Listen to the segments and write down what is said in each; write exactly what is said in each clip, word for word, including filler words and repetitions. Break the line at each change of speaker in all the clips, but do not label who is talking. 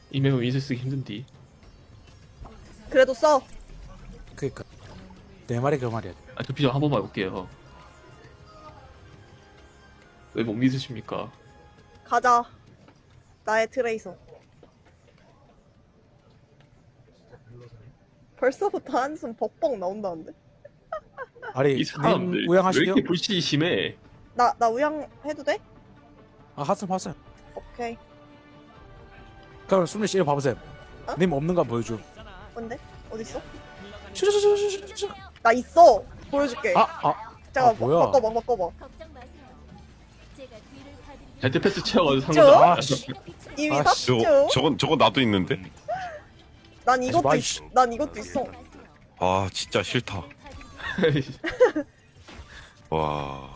이 맵은 윈스 쓰기 힘든디.
그래도 써.
그니까 내 말이 그 말이야.
아, 저 비전 한 번만 해볼게요. 왜 못 믿으십니까?
가자. 나의 트레이서. 벌써부터 한숨 벅벅 나온다는데?
아니
이 사람들
님
왜
우양하시게요?
이렇게 불신이 심해?
나, 나 우양 해도 돼?
아 하슴 하슴.
오케이.
그럼 수민 씨 이거 봐보세요.
어?
님 없는 거 보여줘.
뭔데? 어딨어?
슈슈슈슈슈슈.
나 있어! 보여줄게.
아 아.
잠깐,
아, 뭐야?
바꿔봐, 바꿔봐.
걱정 마세요. 제가 뒤를 봐드릴
벤트패스 채워가지고
저?
상관없어.
아, 씨.
이미
아, 씨,
샀죠?
저거 저건 저거 나도 있는데.
난 이것도
마이
있,
씨.
난 이것도 있어.
아 진짜 싫다. 와.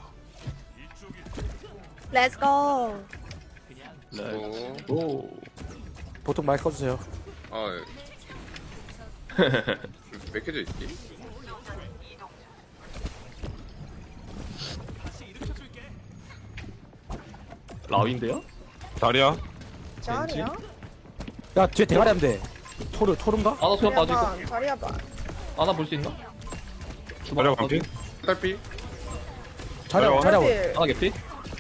Let's go.
네. 오.
보통 마이크 꺼주세요.
아, 몇 개져 있지?
라윈데요?
다리야.
자리야?
야 뒤에 대가리 하면 돼. 토르 토르인가?
아나 수면 빠지고.
반, 자리야 반.
아나 볼 수 있나?
다리야 감기.
딸피?
자리야
자리야.
자리야.
사실
아나 개피?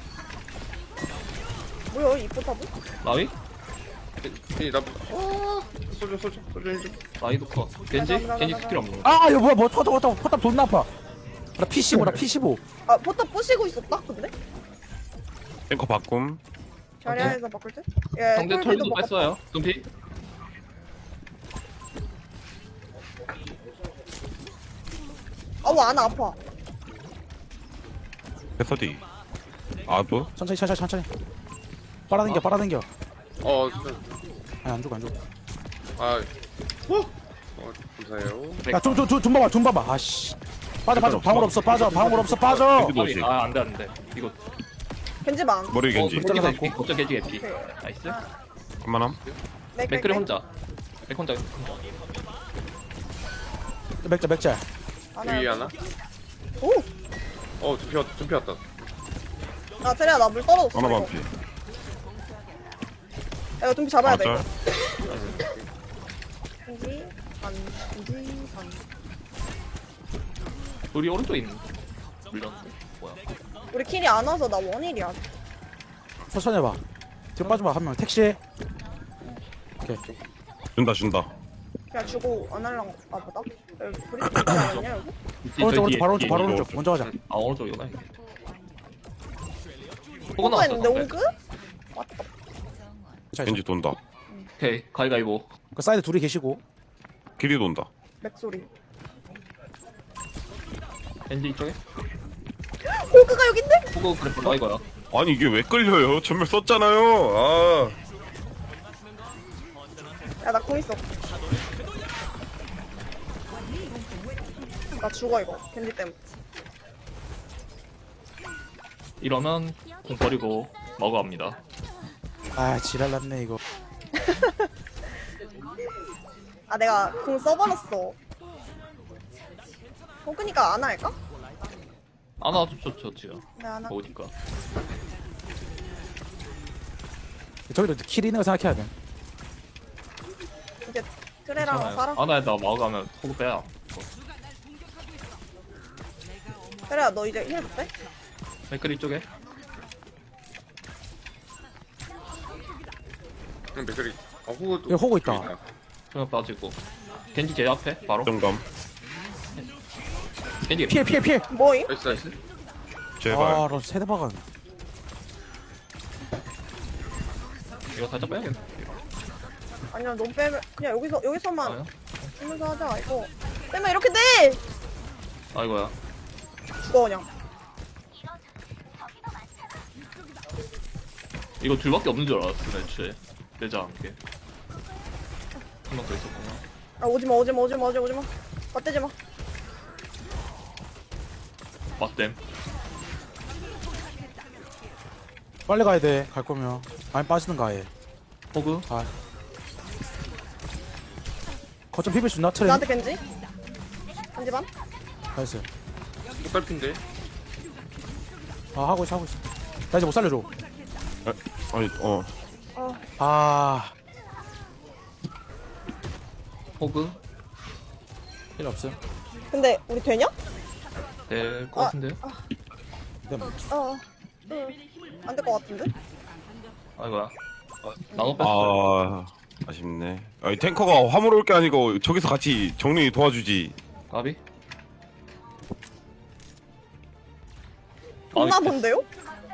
뭐야 이 포탑은?
라위?
괜히 나, 아, 소주, 소주, 소주 해줘.
라위도 커. 겐지?
가자, 가자,
겐지
가자.
스킬 없는 거.
아 이거 뭐야 뭐 포탑 포탑 포탑 존나 아파. 나 피 십오 나 피 십오.
아 포탑 부시고 있었다 근데?
탱커 바꿈.
자리야에서 바꿀 때? 예,
상대
털피도
털도
바꿨다.
뺐어요. 둠피?
아우 안 아파.
패서디. 아도.
천천히 천천히 천천히. 빨아당겨 빨아당겨.
어, 진짜.
아니 안 죽어 안 죽어.
아, 어? 어, 감사해요.
야좀좀좀 봐봐 좀 봐봐. 아씨. 빠져 빠져 방울 없어 빠져 방울 없어 빠져.
겐지 노시.
아, 안 돼, 안 돼. 이거.
겐지 반.
머리 겐지.
어, 겐지 개피. 걱정 겐지 개피.
오케이.
나이스.
한만함.
맥크리 혼자. 맥 혼자.
맥자 맥자.
여기 하나?
오!
어, 좀 피웠, 좀 피웠다.
아 테레야 나 물 떨어졌어.
하나
이거.
반피.
야, 이거 좀 잡아야 돼.
맞아.
겐지 반. 겐지 반.
우리 오른쪽에 있는. 물렸는데. 뭐야.
우리 킬이 안 와서 나 원일이야.
천천히 해봐. 뒤로 빠져봐 한 명 택시. 오케이.
준다 준다.
그냥 주고 안 할랑. 아 보다? 여기 브리스 있지 않았냐 여기?
뒤,
오른쪽
저
오른쪽
뒤에,
바로
뒤에.
오른쪽 바로 오른쪽 먼저 가자.
아, 오른쪽이구나. 이게. 호그
호그
나왔어.
했는데
상대.
호그? 왔다.
자,
겐지 돈다.
오케이. 가위가위보.
그 사이드 둘이 계시고.
길이 돈다.
맥소리.
겐지 이쪽에.
호그가 여기 있네?
호그 그래프 나 이거야.
아니 이게 왜 끌려요? 전멸 썼잖아요. 아.
야 나 공 있어. 나 죽어 이거 겐지 때문에.
이러면 공 버리고 먹어갑니다.
아 지랄났네 이거.
아 내가 공 써버렸어. 호그니까 안 할까?
아나 좋죠 지금.
네 안 할까?
어디까?
저기도 킬 있는 거 생각해야 돼.
이제 트레랑 살아.
아나에다 먹어가면 호그 빼야.
트레야 너 이제 힐 돼?
맥크리 쪽에.
응, 맥거리. 어, 호그
여기 호그 있다.
그냥 빠지고. 겐지 제 앞에 바로.
정감.
겐지
피해 피해 피해.
뭐임?
나이스, 나이스.
제발.
아너 세대 박은.
이거 살짝 빼야겠네.
아니야 넌 빼면 그냥 여기서 여기서만
아요?
쓰면서 하자 이거. 빼면 이렇게 돼.
아이고야.
죽어 그냥.
이거 둘밖에 없는 줄 알았어 애초에. 내자 함께. 한 명 더 있었구나.
아 오지마 오지마 오지마 오지마 오지마. 맞대지 마.
맞댐.
빨리 가야 돼. 갈 거면. 아니 빠지는 거 아예.
호그.
아. 거점 비빌 수 있나 트레?
나한테 겐지? 겐지 반?
나이스.
또 딸피인데?
아 하고 있어 하고 있어. 나 이제 못 살려줘.
아니 어.
어
아
호그
필요 없음.
근데 우리 되냐?
될 것
아.
같은데요?
근데 뭐,
어. 안 될 것 같은데?
아이고야. 나노 뺐어.
아 아쉽네. 아니 탱커가 화물 올 게 아니고 저기서 같이 정리 도와주지.
가비.
없나
아,
본데요?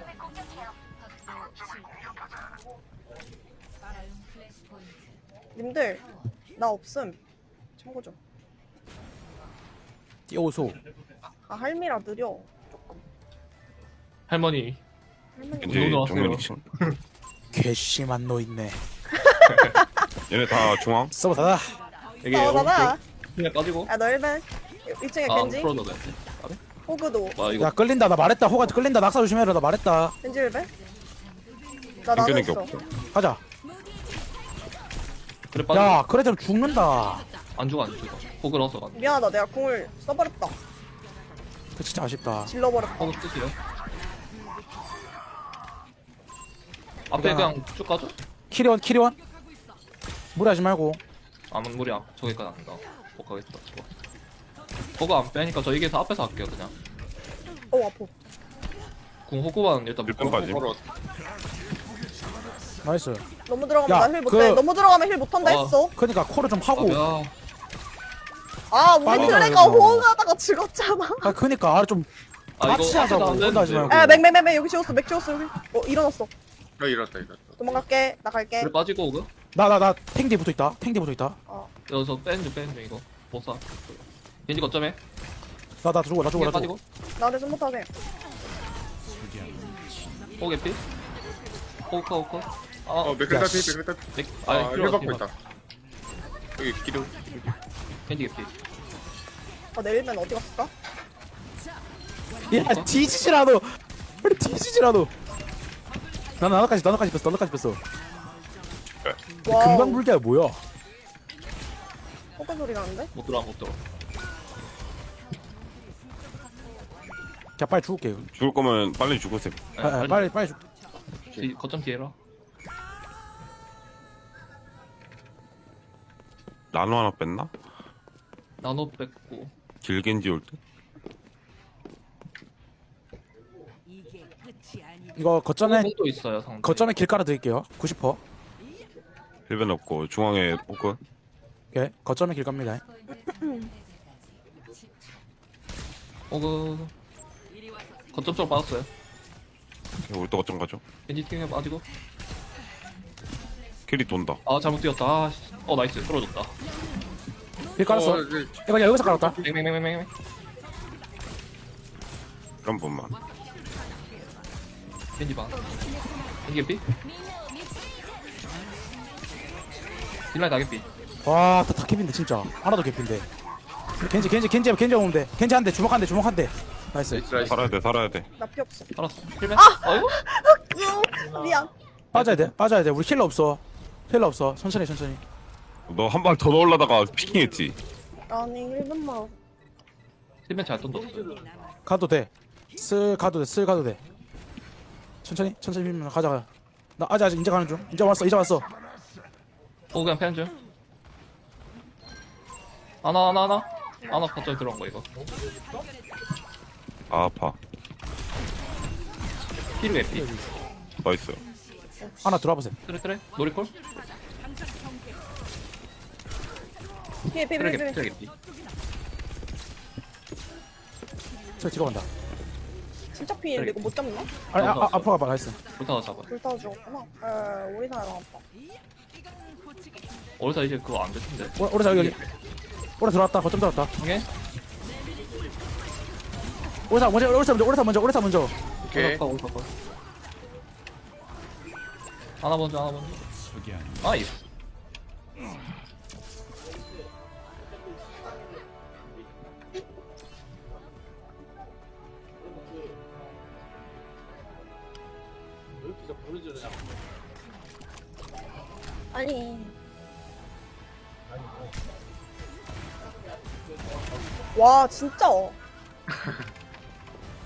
님들 나 없음. 참고 좀.
띄워소.
아 할미라 느려.
할머니.
할머니.
이제
운동
정면
나왔어요.
이 층.
괘씸한 노 있네.
얘네 다 중앙.
서버 닫아.
이게
어 봐봐.
오른쪽 그냥 빠지고.
야 너일벤. 이 층에
아,
겐지.
풀어도 돼. 가비.
호그도.
와 이거
야 끌린다. 나 말했다. 호가 끌린다. 낙사 조심해라. 나 말했다.
겐지 일벤. 나 나도
당겨낸 게
있어.
없어.
가자.
그래 빠지.
야 그래 좀 죽는다.
안 죽어 안 죽어. 호그 넣어서 가.
미안하다. 내가 궁을 써버렸다.
그 진짜 아쉽다.
질러버렸다.
호그 쓰시래. 앞에
야.
그냥 쭉 가죠?
키리원 키리원. 무리하지 말고.
아무 무리야. 저기까지 안 간다. 못 가겠다. 좋아. 호그 안 빼니까 저 이게서 앞에서 할게요 그냥.
어 아파.
궁 호그만 일단
일분까지.
묶어.
나이스.
너무 들어가면
야,
나 힐 못해.
그-
너무 들어가면 힐 못한다
어.
했어.
그러니까 코를 좀 하고.
아,
아 우리
빨리
트레가
가야겠다.
호응하다가 죽었잖아.
아 그니까 아, 좀
아
같이
이거
하자고.
앞에도 안
혼자 하지
되는데.
말고.
야 맥맥맥맥 여기 지웠어. 맥 지웠어 여기. 어 일어났어.
아 이렇다 이렇다.
도망갈게. 나 갈게.
그래 빠지고 호그.
나 나 나 탱디 붙어 있다. 탱디 붙어 있다.
어.
여기서 빼는 빼는 중 이거. 못 사. 겐지 거점에.
나 나 죽어 나 죽어
호그
나 죽어.
빠지고.
나한테 좀 못하게.
호그 피. 호그 호그. 아,
어 맥클
야,
따피
씨.
맥클 따피.
넥.
아
아,
힐
필요
받고
없어.
있다. 여기 기둥.
겐지 개피.
아 내일면 어디 갔을까?
야 뒤지지라도. 우리 뒤지지라도. 나 나나까지 나나까지 뺐어 나나까지 뺐어.
와우.
금방 불기야 뭐야?
호그 소리 나는데?
못 들어와 못 들어.
자 빨리 죽을게.
죽을 거면 빨리 죽으세요.
네,
아, 아, 빨리 빨리 죽.
뒤, 거점 뒤에라.
나노 하나 뺐나?
나노 뺐고.
길겐지 올 때?
이거 거점에
호그도 있어요 상대.
거점에 길 깔아 드릴게요. 구십 퍼센트.
힐벤 없고 중앙에 호그.
오케이 거점에 길 갑니다.
호그. 거점 쪽으로 빠졌어요.
우리 또 어쩜 가죠?
겐지 팀에 빠지고.
캐리 돈다.
아 잘못 뛰었다. 아, 씨. 어 나이스 풀어줬다.
길 깔았어.
어, 네.
이거 여기서 깔았다.
맹맹맹맹맹.
한 번만.
겐지 봐. 겐지 개피. 딜라이 다 개피.
와, 다, 다 캡인데 진짜. 하나도 캡인데. 겐지, 겐지, 겐지, 겐지 오면 돼. 겐지 한 대, 주먹 한 대, 주먹 한 대. 나이스.
나이스.
살아야 돼, 살아야 돼.
나 피 없어.
알았어. 힐맨. 아이고.
으, 미안.
빠져야 돼, 빠져야 돼. 우리 힐러 없어. 힐러 없어. 천천히, 천천히.
너 한 발 더 넣으려다가 피킹했지.
아니 일 분만.
힐맨 잘 던졌어.
가도 돼. 쓸 가도 돼, 쓸 가도 돼. 천천히, 천천히 밀면 가자. 나 아직 아직 이제 가는 중. 이제 왔어, 이제 왔어.
어 그냥 패는 중. 하나 하나 하나. 하나 거점 들어온 거 이거.
아, 아파.
피루 개피.
나이스.
하나 들어와 보세요.
트레 트레. 놀이콜.
피해 피해
트레
피해
개피.
피해.
트레 개피.
저 뒤로 간다.
진짜 피해. 이거 못 잡나?
아니, 아, 아, 앞으로 가봐. 나이스.
불타가 잡아.
불타워 죽었구나. 에 우리 사람 아빠.
어디서 이제 그거 안 될 텐데.
오, 오래 여기, 여기. 오래 들어왔다. 거점 들어왔다.
오케이.
오래 사 먼저, 오래 사 먼저, 오래 사 먼저, 오래 사 먼저.
오케이.
올라가 올라가. 하나 먼저 하나 먼저. 아이.
아니. 와 진짜.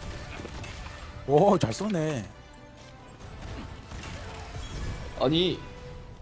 오, 잘 쏘네.
아니